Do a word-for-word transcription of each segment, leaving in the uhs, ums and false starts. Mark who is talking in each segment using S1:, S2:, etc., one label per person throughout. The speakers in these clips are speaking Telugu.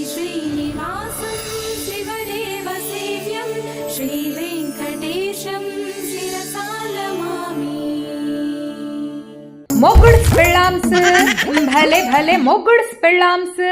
S1: శ్రీనివాసం శివదేవ సేవ్యం శ్రీ వెంకటేశం శిరసాలమామి.
S2: మొగుడు పెళ్ళాంస్ భలే భలే మొగుడు పెళ్ళాంస్.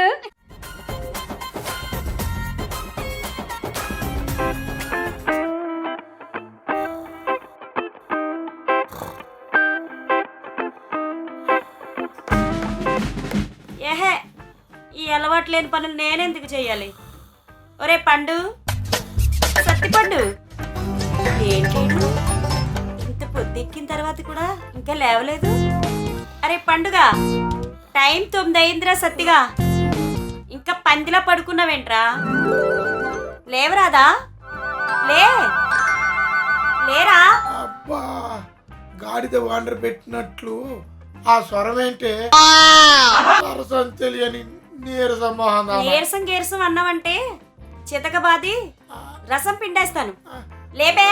S3: ఏహే, ఈ అలవాటు లేని పనులు నేనెందుకు చెయ్యాలి? ఒరే పండు, సత్తి పండు, ఏంటి ఇంత పొద్దెక్కిన తర్వాత కూడా ఇంకా లేవలేదు? అరే పండుగ, టైం తొమ్మిది అయిందిరా. సత్తిగా ఇంకా పందిలా పడుకున్నావేంట్రా? లేవరాదా? లే లేరా?
S4: అబ్బా, గాడిద వాండర్ పెట్టినట్లు ఆ స్వరం ఏంటే? సరసం తెలియని నీరసం మొహం.
S3: నీరసం గీరసం అన్నావంటే చితకబాది రసం పిండేస్తాను. లేబే.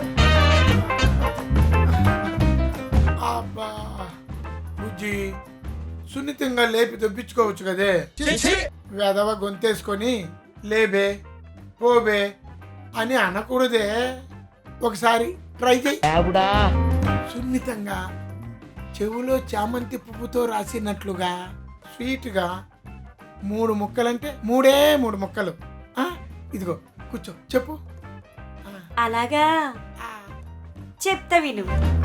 S4: అబ్బా బుజ్జి, సున్నితంగా లేపి దొప్పించుకోవచ్చు కదే. వెదవ గొంతేసుకొని లేబే పోబే అని అనకూడదే. ఒకసారి ట్రై చేయి. సున్నితంగా చెవులో చామంతి పువ్వుతో రాసినట్లుగా స్వీట్గా మూడు ముక్కలంటే మూడే మూడు ముక్కలు. ఇదిగో కూర్చో, చెప్పు.
S3: అలాగా చెప్తా విను.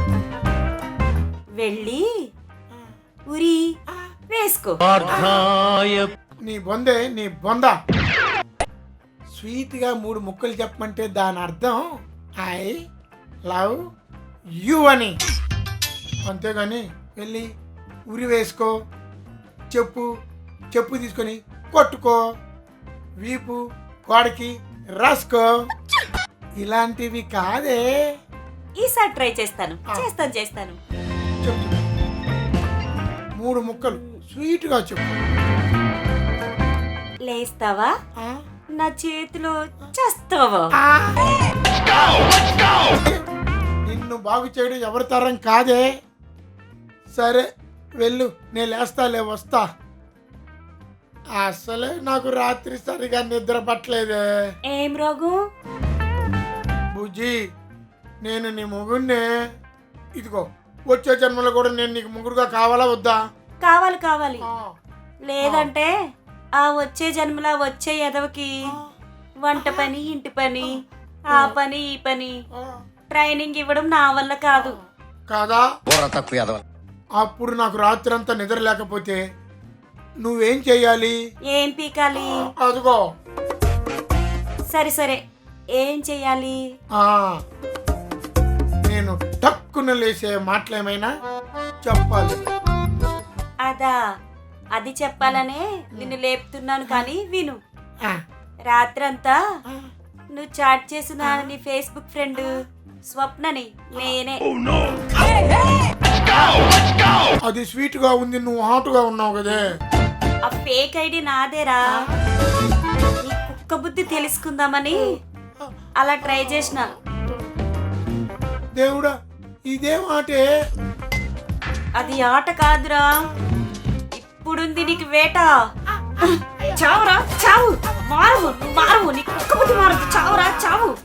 S3: వెళ్ళి ఉరి వేసుకో.
S4: నీ బొందే నీ బొంద. స్వీట్గా మూడు ముక్కలు చెప్పమంటే దాని అర్థం ఐ లవ్ యు అని. అంతేగాని వెళ్ళి ఉరి వేసుకో, చెప్పు చెప్పు తీసుకొని కొట్టుకో, వీపు గోడకి రాసుకో, ఇలాంటివి కాదే.
S3: ఈసారి ట్రై చేస్తాను చేస్తాను చేస్తాను
S4: చెప్పు, మూడు ముక్కలు స్వీట్గా చెప్పు.
S3: లేస్తావా?
S4: ఆ?
S3: నా చేతిలో చేస్తావా?
S4: నిన్ను బాగు చేయడం ఎవరి తరం కాదే. సరే వెళ్ళు, నేను లేస్తాలే, వస్తా. అసలే నాకు రాత్రి సరిగా నిద్ర పట్టలేదే.
S3: ఏం రోగం?
S4: బుజ్జి, నేను నీ మొగుడినే. ఇదిగో వచ్చే జన్మలో కూడా నేను నీకు ముగ్గురుగా కావాలా వద్దా?
S3: కావాలి కావాలి.
S4: ఆ,
S3: లేదంటే ఆ వచ్చే జన్మలా వచ్చే ఎదవకి వంట పని, ఇంటి పని, ఆ పని ఈ పని
S4: ఆ.
S3: ట్రైనింగ్ ఇవ్వడం నా వల్ల కాదు.
S4: కాదా? అప్పుడు నాకు రాత్రి అంతా నిద్ర లేకపోతే నువ్వేం చెయ్యాలి?
S3: ఏం పీకాలి?
S4: అదిగో.
S3: సరే సరే, ఏం చెయ్యాలి?
S4: ఆ, నేను టక్కున లేసే మాటలేమైనా చెప్పాలి.
S3: అదా, అది చెప్పాలనే నిన్ను లేపుతున్నాను. కానీ విను.
S4: ఆ,
S3: రాత్రంతా
S4: ఆ.
S3: నువ్వు చాట్ చేసిన నీ ఫేస్బుక్ ఫ్రెండ్ స్వప్నని నేనే.
S4: అది స్వీట్ గా ఉంది, నువ్వు హాట్ గా ఉన్నావు కదే.
S3: ఆ ఫేక్ ఐడి నాదేరా. నీ కుక్క బుద్ధి తెలుసుకుందామని అలా ట్రై చేసిన.
S4: దేవుడా, ఇదేం ఆటే?
S3: అది ఆట కాదురా, ఇప్పుడుంది నీకు వేట. చావురా చావు, మారవు మారవు, నీ కుక్క బుద్ధి మారదు. చావురా చావు.